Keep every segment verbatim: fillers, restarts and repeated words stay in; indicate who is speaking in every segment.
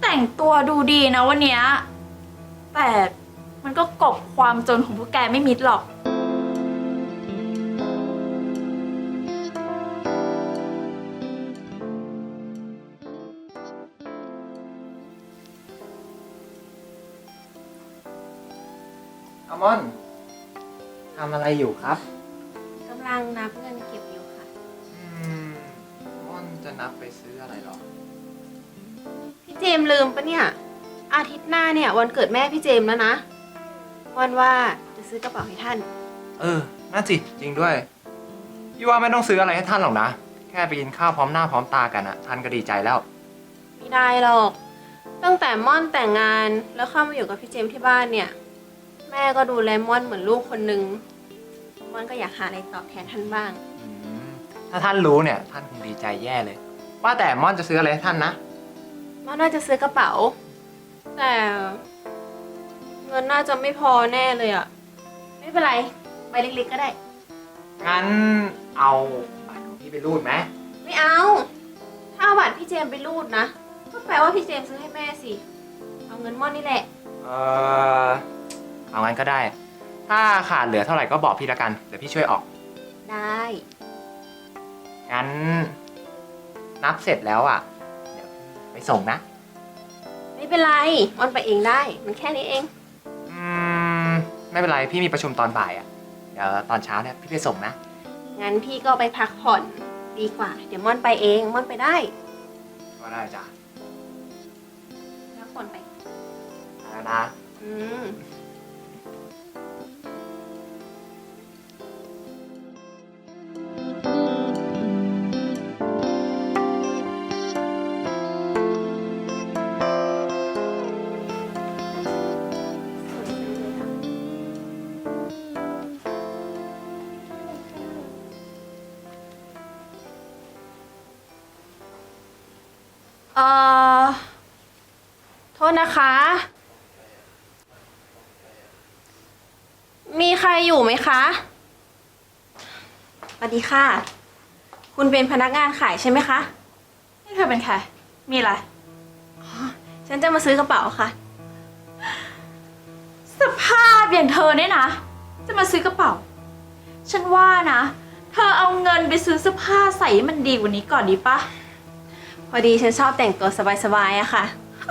Speaker 1: แต่งตัวดูดีนะวันเนี้ยแต่มันก็กลบความจนของพวกแกไม่มิดหรอก
Speaker 2: อัลมอนด์ทำอะไรอยู่ครับ
Speaker 3: กำลังนับเงินเก็บอยู่ค่ะ
Speaker 2: อืมม่อนจะนับไปซื้ออะไรหรอ
Speaker 3: พี่เจมส์ลืมปะเนี่ย อาทิตย์หน้าเนี่ยวันเกิดแม่พี่เจมส์แล้วนะวันว่าจะซื้อกระเป๋าให้ท่าน
Speaker 2: เออน่าสิจริงด้วยพี่ว่าไม่ต้องซื้ออะไรให้ท่านหรอกนะ แค่ไปกินข้าวพร้อมหน้าพร้อมตากันอะท่านก็ดีใจแล้ว
Speaker 3: ไม่ได้หรอก ตั้งแต่ม่อนแต่งงานแล้วเข้ามาอยู่กับพี่เจมส์ที่บ้านเนี่ย แม่ก็ดูแลม่อนเหมือนลูกคนนึงม่อนก็อยากหาอะไรตอบแทนท่านบ้าง
Speaker 2: อืมถ้าท่านรู้เนี่ยท่านคงดีใจแย่เลย ว่าแต่ม่อนจะซื้ออะไรให้ท่านนะ
Speaker 3: ม่อนน่าจะซื้อกระเป๋า แต่เงินน่าจะไม่พอแน่เลยอะไม่เป็นไรใบเล็กๆก็ได้
Speaker 2: งั้นเอาบัตรของพี่ไปรูดไหม
Speaker 3: ไม่เอา ถ้าเอาบัตรพี่เจมส์ไปรูดนะก็แปลว่าพี่เจมส์ซื้อให้แม่สิ เอาเงินม่อนนี่แหละ
Speaker 2: เออเอางั้นก็ได้ ถ้าขาดเหลือเท่าไหร่ก็บอกพี่ละกัน เดี๋ยวพี่ช่วยออก
Speaker 3: ได้
Speaker 2: งั้นนับเสร็จแล้วอ่ะ เดี๋ยวไปส่งนะ
Speaker 3: ไม่เป็นไรม่อนไปเองได้ มันแค่นี้เอง
Speaker 2: อืม ไม่เป็นไร พี่มีประชุมตอนบ่ายอ่ะ เดี๋ยวตอนเช้าเนี่ยพี่ไปส่งนะ
Speaker 3: งั้นพี่ก็ไปพักผ่อนดีกว่า เดี๋ยวม่อนไปเองม่อนไปได้
Speaker 2: ก็ได้จ้ะ
Speaker 3: พักผ่อนไป
Speaker 2: แล้วนะ
Speaker 3: อืม เอ่อ โทษนะคะ มีใครอยู่ไหมคะสวัสดีค่ะ คุณเป็นพนักงานขายใช่ไหมคะ
Speaker 1: นี่เธอเป็นใครมีอะไร
Speaker 3: ฉันจะมาซื้อกระเป๋าค่ะ
Speaker 1: สภาพอย่างเธอเนี่ยนะ จะมาซื้อกระเป๋า ฉันว่านะ เธอเอาเงินไปซื้อเสื้อผ้าใส่ให้มันดีกว่านี้ก่อนดีปะ
Speaker 3: พอดีฉันชอบแต่งตัวสบายๆอะค่ะ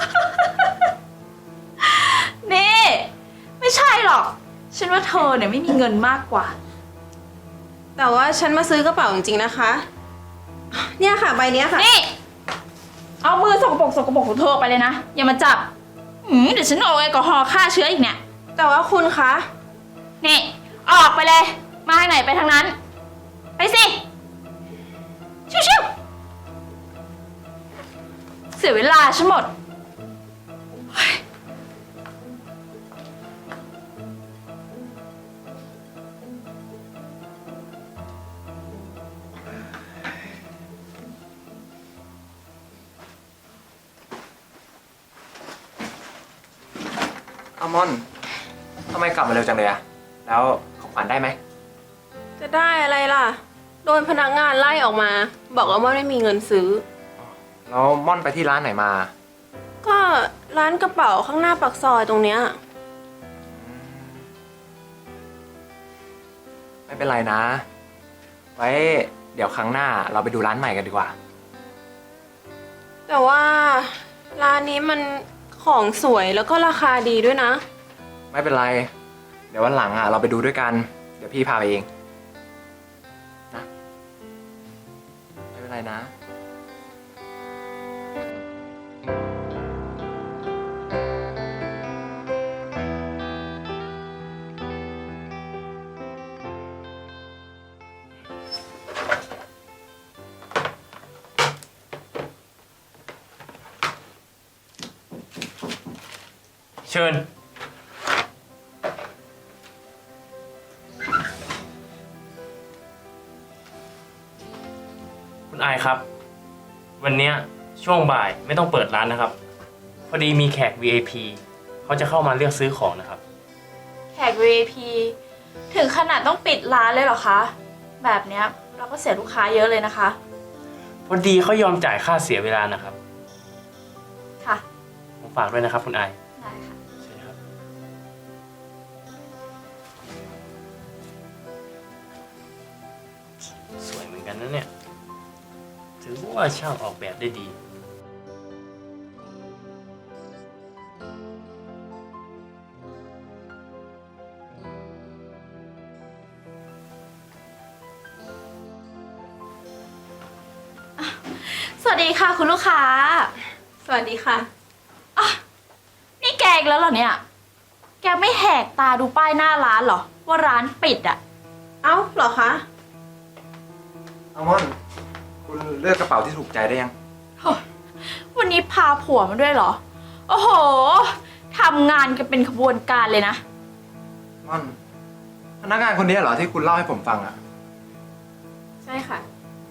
Speaker 1: นี่ไม่ใช่หรอก ฉันว่าเธอเนี่ยไม่มีเงินมากกว่า
Speaker 3: แต่ว่าฉันมาซื้อกระเป๋าจริงๆนะคะ เนี่ยค่ะใบเนี้ยค่ะ
Speaker 1: นี่ เอามือสกปรกสกปรกของเธอไปเลยนะ อย่ามาจับอืมเดี๋ยวฉันเอาแอลกอฮอล์ฆ่าเชื้ออีกเนี่ย
Speaker 3: แต่ว่าคุณคะ
Speaker 1: นี่ ออกไปเลย มาทางไหนไปทางนั้น ไปสิ ชิวๆเสียเวลาฉันหมด
Speaker 2: อัลมอนด์ทำไมกลับมาเร็วจังเลยอะแล้วของขวัญได้ไหม
Speaker 3: จะได้อะไรล่ะ โดนพนักงานไล่ออกมา บอกว่าไม่มีเงินซื้อ
Speaker 2: แล้วม่อนไปที่ร้านไหนมา
Speaker 3: ก็ร้านกระเป๋าข้างหน้าปากซอยตรงเนี้ย
Speaker 2: ไม่เป็นไรนะ ไว้เดี๋ยวครั้งหน้าเราไปดูร้านใหม่กันดีกว่า
Speaker 3: แต่ว่าร้านนี้มันของสวยแล้วก็ราคาดีด้วยนะ
Speaker 2: ไม่เป็นไร เดี๋ยววันหลังอ่ะเราไปดูด้วยกัน เดี๋ยวพี่พาไปเอง นะ ไม่เป็นไรนะ
Speaker 4: เชิญ คุณอายครับ วันเนี้ยช่วงบ่ายไม่ต้องเปิดร้านนะครับ พอดีมีแขก วี ไอ พี เขาจะเข้ามาเลือกซื้อของนะครับ
Speaker 1: แขก วี ไอ พี ถึงขนาดต้องปิดร้านเลยเหรอคะ แบบเนี้ยเราก็เสียลูกค้าเยอะเลยนะคะ
Speaker 4: พอดีเขายอมจ่ายค่าเสียเวลานะครับ
Speaker 1: ค่ะ
Speaker 4: ฝากด้วยนะครับคุณอาย
Speaker 1: ได้ค่ะ
Speaker 4: ใช่ครับ สวยเหมือนกันนะเนี่ย ถือว่าช่างออกแบบได้ดี
Speaker 1: สวัสดีค่ะคุณลูกค้า
Speaker 3: สวัสดีค่ะ
Speaker 1: นี่แกอีกแล้วเหรอเนี่ย แกไม่แหกตาดูป้ายหน้าร้านเหรอ ว่าร้านปิดอะ
Speaker 3: เอ้าเหรอคะ
Speaker 2: อัลมอนด์คุณเลือกกระเป๋าที่ถูกใจได้ยัง
Speaker 1: โถ่วันนี้พาผัวมาด้วยเหรอ โอ้โห ทำงานกันเป็นขบวนการเลยนะ
Speaker 2: ม่อนพนักงานคนนี้เหรอที่คุณเล่าให้ผมฟังอ่ะ
Speaker 3: ใช่ค่ะ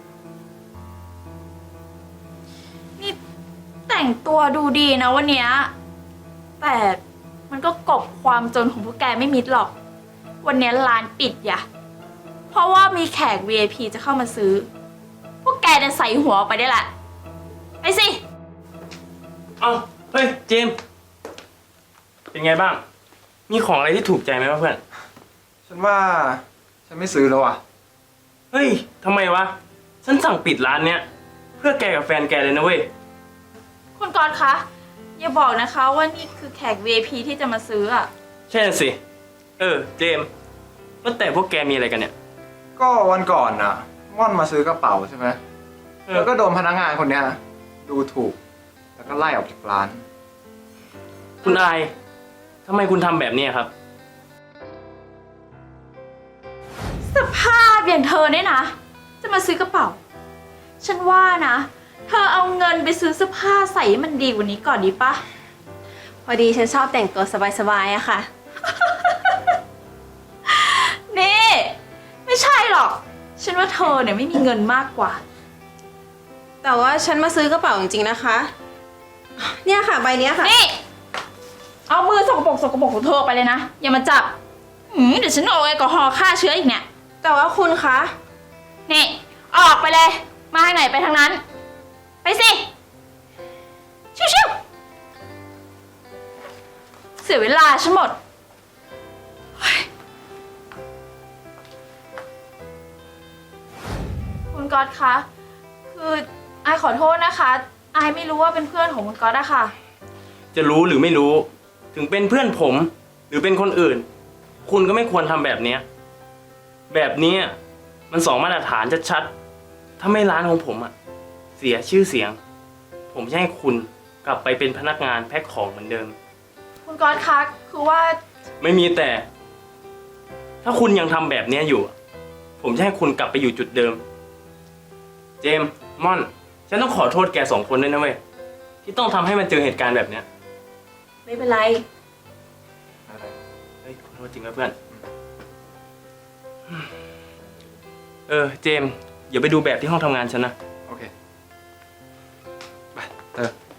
Speaker 1: นี่แต่งตัวดูดีนะวันเนี้ยแต่มันก็กลบความจนของพวกแกไม่มิดหรอก วันเนี้ยร้านปิดอย่ะ เพราะว่ามีแขก วี ไอ พี จะเข้ามาซื้อ พวกแกเนี่ยใส่หัวออกไปได้แหละ ไปสิ
Speaker 4: เอ้า เฮ้ย เจมส์เป็นไงบ้าง มีของอะไรที่ถูกใจไหมวะเพื่อน
Speaker 2: ฉันว่าฉันไม่ซื้อแล้วอ่ะ
Speaker 4: เฮ้ย ทำไมวะ ฉันสั่งปิดร้านเนี้ย เพื่อแกกับแฟนแกเลยนะเว้ย
Speaker 1: คุณกรณ์คะ อย่าบอกนะคะว่านี่คือแขก วี ไอ พี ที่จะมาซื้ออะ
Speaker 4: ใช่น่ะสิ เออ เจมส์ว่าแต่พวกแกมีอะไรกันเนี่ย
Speaker 2: ก็วันก่อนอ่ะ ม่อนมาซื้อกระเป๋าใช่ไหม
Speaker 4: เออ
Speaker 2: แล้วก็โดนพนักงานคนเนี้ยดูถูก แล้วก็ไล่ออกจากร้าน
Speaker 4: คุณอายทำไมคุณทำแบบนี้ครับ
Speaker 1: สภาพอย่างเธอเนี่ยนะ จะมาซื้อกระเป๋า ฉันว่านะ เธอเอาเงินไปซื้อเสื้อผ้าใส่ให้มันดีกว่านี้ก่อนดีปะ
Speaker 3: พอดีฉันชอบแต่งตัวสบายๆอะค่ะ
Speaker 1: นี่ ไม่ใช่หรอก ฉันว่าเธอเนี่ยไม่มีเงินมากกว่า
Speaker 3: แต่ว่าฉันมาซื้อกระเป๋าจริงๆนะคะ เนี่ยค่ะใบเนี้ยค่ะ
Speaker 1: นี่ เอามือสกปรกสกปรกของเธอไปเลยนะ อย่ามาจับหืมเดี๋ยวฉันเอาแอลกอฮอล์ฆ่าเชื้ออีกเนี่ย
Speaker 3: แต่ว่าคุณคะ
Speaker 1: นี่ ออกไปเลย มาทางไหนไปทางนั้น ไปสิ ชิวๆเสียเวลาฉันหมดเฮ้ยคุณก๊อตคะ คืออายขอโทษนะคะ อายไม่รู้ว่าเป็นเพื่อนของคุณก๊อตอะค่ะ
Speaker 4: จะรู้หรือไม่รู้ ถึงเป็นเพื่อนผม หรือเป็นคนอื่น คุณก็ไม่ควรทำแบบเนี้ยแบบเนี้ยมันสองมาตรฐานชัดๆถ้าไม่ร้านของผมอะเสียชื่อเสียง ผมจะให้คุณกลับไปเป็นพนักงานแพ็คของเหมือนเดิม
Speaker 1: คุณก๊อตคะ คือว่า
Speaker 4: ไม่มีแต่ ถ้าคุณยังทำแบบเนี้ยอยู่ ผมจะให้คุณกลับไปอยู่จุดเดิม เจมส์ม่อน ฉันต้องขอโทษแกสองคนด้วยนะเว้ยที่ต้องทำให้มันเจอเหตุการณ์แบบเนี้ย
Speaker 3: ไม่เป็นไร
Speaker 4: เฮ้ยขอโทษจริงนะเพื่อน เออ เจมส์อย่าไปดูแบบที่ห้องทำงานฉันนะ
Speaker 2: โอเค ไปเธอ